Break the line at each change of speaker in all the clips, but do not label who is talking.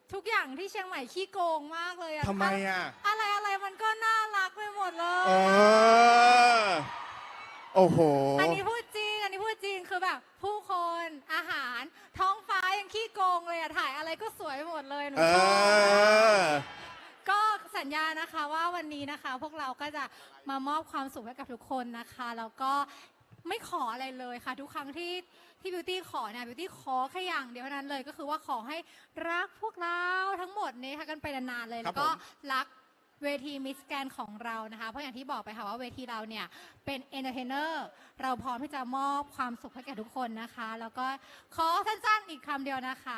ทุกอย่างที่เชียงใหม่ขี้โกงมากเลยอะ
ทำไมอ่ะ
อะไรมันก็น่ารักไปหมดเล
เอย อ โอ้โห
อันนี้พูดจริงคือแบบ ผู้คนอาหารท้องฟ้ายังขี้โกงเลยอะถ่ายอะไรก็สวยหมดเลยหนู
เอ
ชอบ
อ
ก็สัญญานะคะว่าวันนี้นะคะ พวกเราก็จะมามอบความสุขให้กับทุกคนนะคะแล้วก็ไม่ขออะไรเลยค่ะ ทุกครั้งที่บิวตี้ขอเนี่ยบิวตี้ขอแค่อย่างเดียวเท่านั้นเลยก็คือว่าขอให้รักพวกเราทั้งหมดนี้ค่ะกันไปนานๆเลย
ครั
แล้
บ
วก็
ผม
รักเวทีมิสแกนของเรานะคะเพราะอย่างที่บอกไปค่ะว่าเวทีเราเนี่ยเป็นเอนเตอร์เทนเนอร์เราพร้อมที่จะมอบความสุขให้แก่ทุกคนนะคะ แล้วก็ขอสั้นๆอีกคำเดียวนะคะ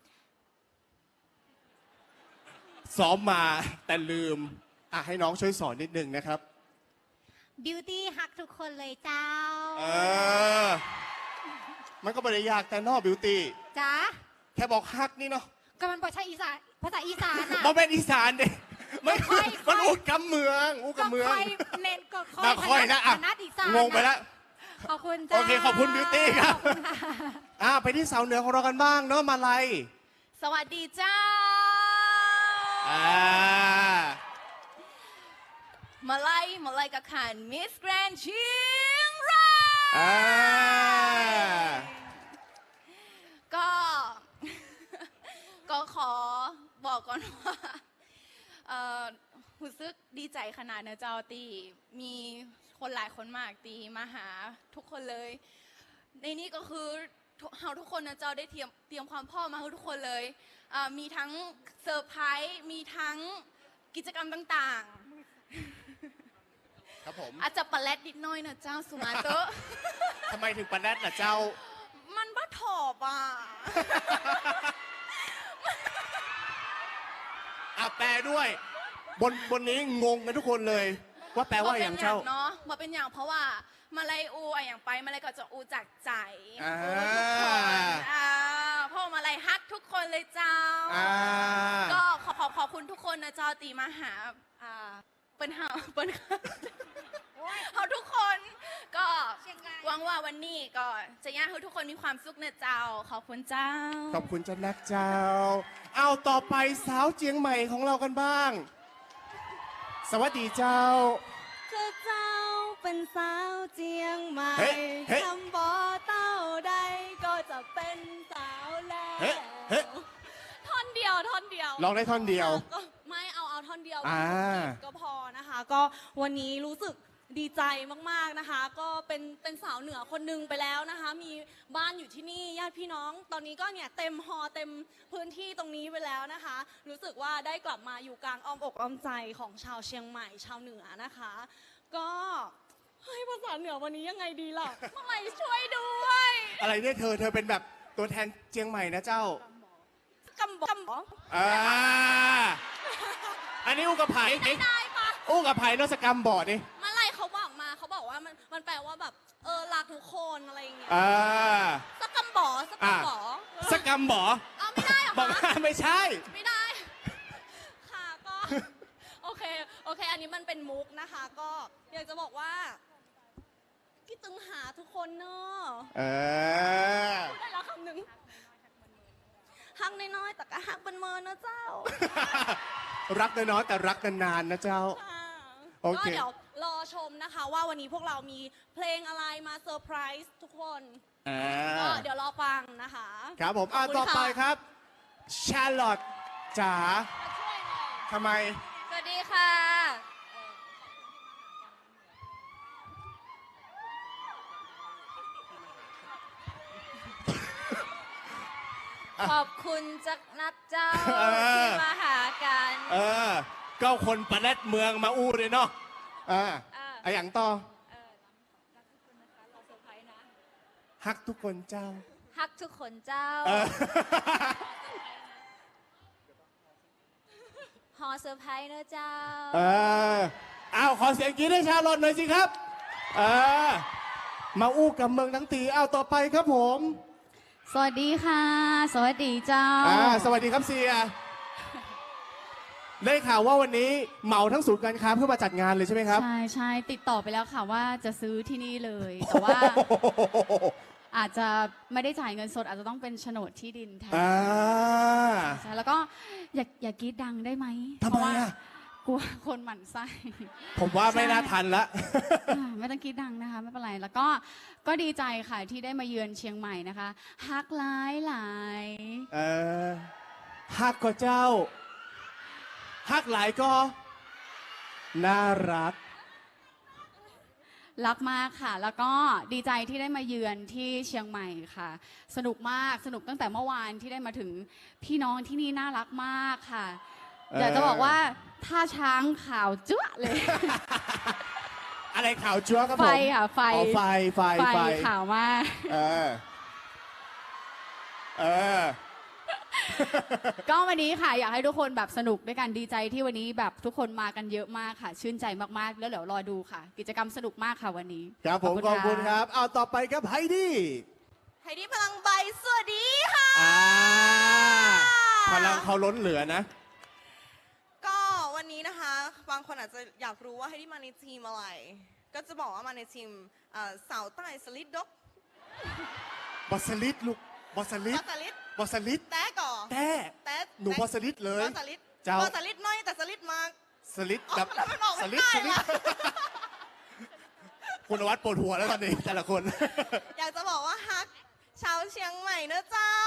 ซ้อมมาแต่ลืม ให้น้องช่วยสอนนิดนึงนะครับ
บิวตี้ฮักทุกคนเลยเจ้า
เออ มันก็ไม่ได้ยากแต่นอกบิวตี้
จ้า
แค่บอกฮักนี่เนาะ
ก็มันบอกใช่อีสานภาษาอีสานอ่ะ
มันเป็นอีสานเด็ไม่
ค่อย
มันอูดกำเมืองอูดกำเมือง
ค่อยเน้นก็ค่อย
ค่อยนะอ่ะ
นัดอีสาน
งงไปแล้ว
ขอบคุณจ้า
โอเคขอบคุณบิวตี้ครับ
ขอณะ
ไปที่สาวเหนือของเรากันบ้างเนาะมาลัย
สวัสดีเจ้า
อ่า
มาไล่กับขันมิสแกรนเชียงราย
อ่า
ก็ ก็ขอบอกก่อนว่ารู้สึกดีใจขนาดนะเจ้าตีมีคนหลายคนมากตีมาหาทุกคนเลย ในนี้ก็คือเราทุกคนนะเจ้าได้เตรียมความพร้อมมาให้ทุกคนเลยมีทั้งเซอร์ไพรส์มีทั้งกิจกรรมต่างๆ
ครับผม
อาจจะปะแลดนิดหน้อยนะเจ้าสุมาเตอร์
ทำไมถึงปะแนดล่ะเจ้า
มันบ้าถอบอ่ะ
แปลด้วย บนนี้งงกันทุกคนเลย ว่าแปลว่าอย่างเจ้า
เนาะมาเป็นอย่างเพราะว่ามาลายอูอะอย่างไปมาลายก็จะอูจากใจ
อ่า
อูทุกคนเพราะมาลายฮักทุกคนเลยเจ้า ก็ขอบคุณทุกคนนะเจ้าตีมาหาเปิ้นเขาทุกคนก็หวังว่าวันนี้ก็จะย่าให้ทุกคนมีความสุขนะเจ้า ขอบคุณเจ้า
ขอบคุณเจ้านักเจ้า เอาต่อไปสาวเจียงใหม่ของเรากันบ้าง สวัสดีเจ้า
คือเจ้าเป็นสาวเจียงใหม่
เฮ้เฮ้
ทำบ่อเต้าใดก็จะเป็นสาวแล้ว
เฮ้เฮ้
ท่อนเดียว
ลองได้ท่อนเดียว
ก็ไม่เอาท่อนเดียว
อ่า
ก็พอนะคะ ก็วันนี้รู้สึกดีใจมากๆนะคะ ก็เป็นสาวเหนือคนหนึงไปแล้วนะคะ มีบ้านอยู่ที่นี่ญาติพี่น้องตอนนี้ก็เนี่ยเต็มฮอเต็มพื้นที่ตรงนี้ไปแล้วนะคะ รู้สึกว่าได้กลับมาอยู่กลางอ้อมอกอ้อมใจของชาวเชียงใหม่ชาวเหนือนะคะ ก็เฮ้ยภาษาเหนือวันนี้ยังไงดีล่ะเมื่อไหร่ช่วยด้วย
อะไรเนี่ยเธอเป็นแบบตัวแทนเจียงใหม่นะเจ้า
กำบอก
อันนี้อู้กับไผ่
ได้ปะ
อู้กับไผ่นอสกรรมบอร์ดนี่
เมื่อไหรเขาบอกว่ามันแปลว่าแบบรักทุกคนอะไรอย่างเงี้ย สักกำบอสักกำบอ
สกรรมบอ
เอาไม่ได้เหรอ
บอก
คะ
ไม่ใช่
ไม่ได้ ค่ะก็ โอเค อันนี้มันเป็นมุกนะคะ ก็อยากจะบอกว่าคิดถึงหาทุกคนเนอะ พูดได้แล้วคำหนึ่งฮักน้อยๆแต่ก็ฮักเป็นเมินนะเจ้า
รักน้อยๆแต่รักนานๆนะเจ้า
ค่ะ
โอเค
ก็เดี๋ยวรอชมนะคะ ว่าวันนี้พวกเรามีเพลงอะไรมาเซอร์ไพรส์ทุกคนก็เดี๋ยวรอฟังนะคะ
ครับผม
ขอบคุณ
ต่อไป
ค่ะ
ครับชาร์ลอตจ๋า
มาช่วยหน่อย
ทำไม
สวัสดีค่ะ
ขอบคุณจักนัดเจ้า
เออ
ที่มาหากัน
ก็คนปะแนดเมืองมาอู้เลยเนาะไออย่างต่อ
รักทุกคนนะคะเราเซอร์ไพรส์นะ
ฮักทุกคนเจ้า
ฮักทุกคนเจ้า
เออ
ฮอเซอร์ไพรส์เนอะเจ้า
เอาขอเสียงกรี๊ดให้ชาร์ลอตหน่อยสิครับ มาอู้กับเมืองทั้งทีเอาต่อไปครับผม
สวัสดีค่ะ สวัสดีเจ้า
สวัสดีครับเสีย ได้ข่าวว่าวันนี้เหมาทั้งศูนย์การค้าเพื่อมาจัดงานเลยใช่ไหมครับ
ใช่ติดต่อไปแล้วค่ะว่าจะซื้อที่นี่เลย แต่ว่าอาจจะไม่ได้จ่ายเงินสดอาจจะต้องเป็นโฉนดที่ดินแทนใช่แล้วก็อย่ากรีดดังได้ไหม
ทำไม
เพราะว่า
อ่ะ
กลัวคนหมั่นไส้
ผมว่าไม่น่าทันละ
ไม่ต้องคิดดังนะคะไม่เป็นไรแล้วก็ดีใจค่ะที่ได้มาเยือนเชียงใหม่นะคะฮักหลายหลาย
เออฮักก็เจ้าฮักหลายก็น่ารัก
รักมากค่ะ แล้วก็ดีใจที่ได้มาเยือนที่เชียงใหม่ค่ะ สนุกมากสนุกตั้งแต่เมื่อวานที่ได้มาถึงพี่น้องที่นี่น่ารักมากค่ะ อยากจะบอกว่าท่าช้างขาวจั๊วะเลย
อะไรข่าวจั๊วครับผม
ไฟค่ะไฟ
อ๋อไฟ
ไฟขาวมาก
เออ เออ
ก็วันนี้ค่ะอยากให้ทุกคนแบบสนุกด้วยกันดีใจที่วันนี้แบบทุกคนมากันเยอะมากค่ะ ชื่นใจมากๆแล้วเดี๋ยวรอดูค่ะ กิจกรรมสนุกมากค่ะวันนี้
ครับผมขอบคุณครับ เอาต่อไปครับไฮดี้
ไฮดี้พลังใบสวัสดีค่ะ
พลังเขาล้นเหลือนะ
ก็วันนี้นะคะ บางคนอาจจะอยากรู้ว่าไฮดี้มาในทีมอะไร ก็จะบอกว่ามาในทีมสาวใต้สลิดดก
บอสลิดลูก บอสลิด
บอสลิด
บอสลิด
แต่ก่อ
แต่
แต่
หนูบอสลิดเลย
บอสลิด
เจ้า
บอสลิดน้อยแต่สลิดมาก
สลิดแบบ
แล้วมันออก
ส
ไม่
ลิด
ได้
สลิด
ล่ะ
คุณนวัดปวดหัวแล้วตอนนี้ แต่ละคน
อยากจะบอกว่าฮักชาวเชียงใหม่เนอะเจ้า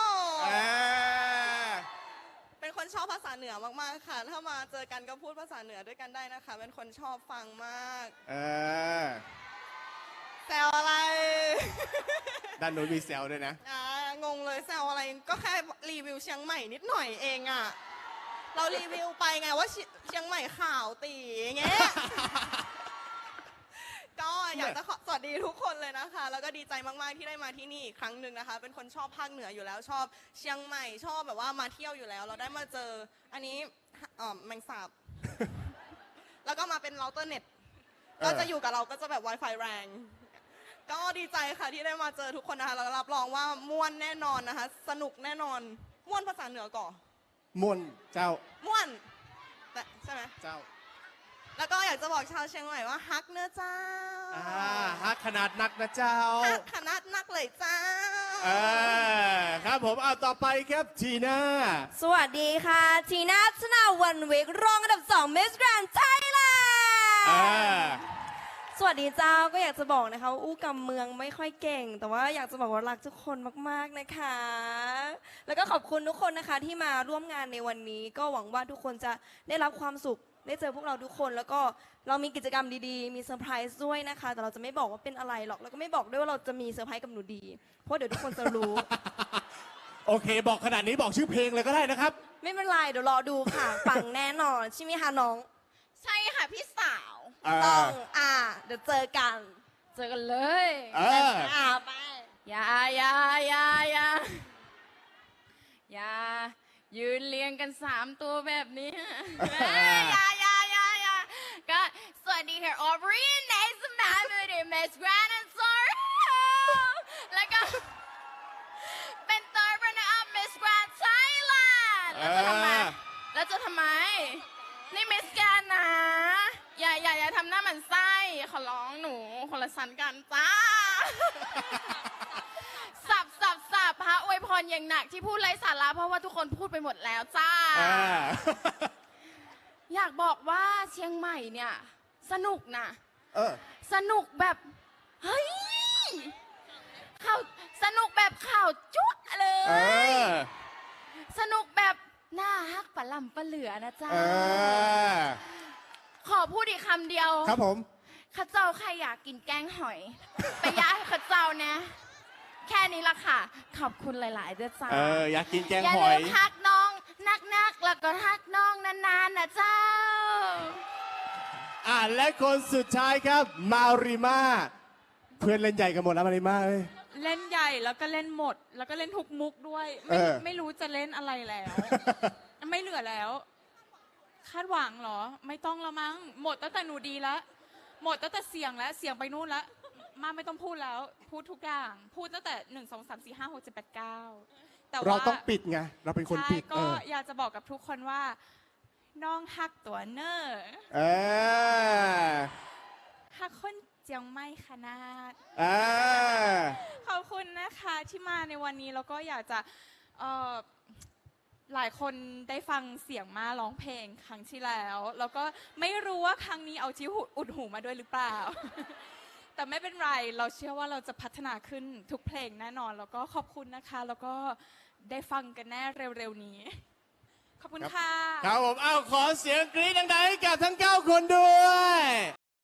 เป็นคนชอบภาษาเหนือมากๆค่ะ ถ้ามาเจอกันก็พูดภาษาเหนือด้วยกันได้นะคะ เป็นคนชอบฟังมาก
เออ
แซวอะไร
ด้านโน้นมีแซวด้วยนะ
งงเลยแซวอะไร ก็แค่รีวิวเชียงใหม่นิดหน่อยเองอะเรารีวิวไปไงว่าเชียงใหม่ข่าวตีอย่างเงี้ย ก็อยากจะสวัสดีทุกคนเลยนะคะ แล้วก็ดีใจมากๆที่ได้มาที่นี่อีกครั้งหนึ่งนะคะ เป็นคนชอบภาคเหนืออยู่แล้ว ชอบเชียงใหม่ชอบแบบว่ามาเที่ยวอยู่แล้ว เราได้มาเจออันนี้แมงสาบ แล้วก็มาเป็นเราเตอร์เน็ต ก็จะอยู่กับเราก็จะแบบ Wi-Fi แรง ก็ดีใจค่ะที่ได้มาเจอทุกคนนะคะแล้วรับรองว่าม่วนแน่นอนนะคะ สนุกแน่นอนม่วนภาษาเหนือก่อน
มวนเจ้า
ม่วนแต่ใช่ไหม
เจ้า
แล้วก็อยากจะบอกชาวเชียงใหม่ว่าฮักเนื้อเจ้า
ฮักขนาดนักนะเจ้า
ฮักขนาดนักเลยเจ้า
ครับผมเอาต่อไปครับทีน่า
สวัสดีค่ะ ทีน่าชนาวันวิกรองอันดับ2 Miss Grand Thailand สวัสดีเจ้าก็อยากจะบอกนะคะว่าอู้กำเมืองไม่ค่อยเก่ง แต่ว่าอยากจะบอกว่ารักทุกคนมากๆนะคะ แล้วก็ขอบคุณทุกคนนะคะที่มาร่วมงานในวันนี้ ก็หวังว่าทุกคนจะได้รับความสุขได้เจอพวกเราทุกคน แล้วก็เรามีกิจกรรมดีๆ มีเซอร์ไพรส์ด้วยนะคะ แต่เราจะไม่บอกว่าเป็นอะไรหรอกแล้วก็ไม่บอกด้วยว่าเราจะมีเซอร์ไพรส์กับหนูดี เพราะเดี๋ยวทุกคนจะรู้
โอเค บอกขนาดนี้บอกชื่อเพลงเลยก็ได้นะครับ
ไม่เป็นไรเดี๋ยวรอดูค่ะปังแน่นอนใช่ไหมคะน้อง
ใช่ค่ะพี่สาว
ต้องเดี๋ยวเจอกัน
เจอกันเลย
ไป
อย่ายืนเรียงกัน3 ตัวแบบนี้
อย่าก็สวัสดีค่ะออบรีนในสนามบินเมสแกรนด์ซอร์แล้วก็เป็นตัวรันเนอร์อัพมิสแกรนด์ไทยแลนด์แล้วจะทำไมนี่มิสแกรนด์นะอย่าทำหน้าเหมือนไส้ขอร้องหนูคนละสันกันจ้า สับพระอวยพรอย่างหนักที่พูดไร้สาระเพราะว่าทุกคนพูดไปหมดแล้วจ้า อยากบอกว่าเชียงใหม่เนี่ยสนุกนะสนุกแบบเฮ้ยข่าวสนุกแบบข่าวจุ๊เลย สนุกแบบหน้าฮักปะลำปะเหลือนะจ๊ะขอพูดอีกคำเดียว
ครับผม
ข้าเจ้าใครอยากกินแกงหอย ไปย่าให้ข้าเจ้านะ แค่นี้ละค่ะ ขอบคุณหลายๆด้วยจ้า
อยากกินแกง
อย่า
ห
ลื
อย
มฮักน้องนักๆแล้วก็ฮักน้องนานๆนะเจ้า
และคนสุดท้ายครับ มาริมาเพื่อนเล่นใหญ่กันหมดแล้วมาริมาเอ้ย
เล่นใหญ่แล้วก็เล่นหมด แล้วก็เล่นทุกมุกด้วย ไม่รู้จะเล่นอะไรแล้ว ไม่เหลือแล้ว คาดหวังเหรอ ไม่ต้องแล้วมั้งหมดตั้งแต่หนูดีแล้วหมดตั้งแต่เสียงแล้วเสียงไปนู่นแล้วมาไม่ต้องพูดแล้ว พูดทุกอย่าง พูดตั้งแต่1 2 3 4 5 6 7 8 9แต่ว่า
เราต้องปิดไง เราเป็นคน
ใช่
ปิด
ก็อยากจะบอกกับทุกคนว่า น้องฮักตัวเนอร์ ฮักคนเจียงไม่ขนาด ขอบคุณนะคะที่มาในวันนี้แล้วก็อยากจะหลายคนได้ฟังเสียงมาร้องเพลงครั้งที่แล้ว แล้วก็ไม่รู้ว่าครั้งนี้เอาจิ้วอุดหูมาด้วยหรือเปล่า แต่ไม่เป็นไรเราเชื่อว่าเราจะพัฒนาขึ้นทุกเพลงแน่นอน แล้วก็ขอบคุณนะคะ แล้วก็ได้ฟังกันแน่เร็วๆนี้ ขอบคุณค่ะ
ครับผม เอาขอเสียงกรี๊ดดังๆให้กับทั้ง 9 คนด้วย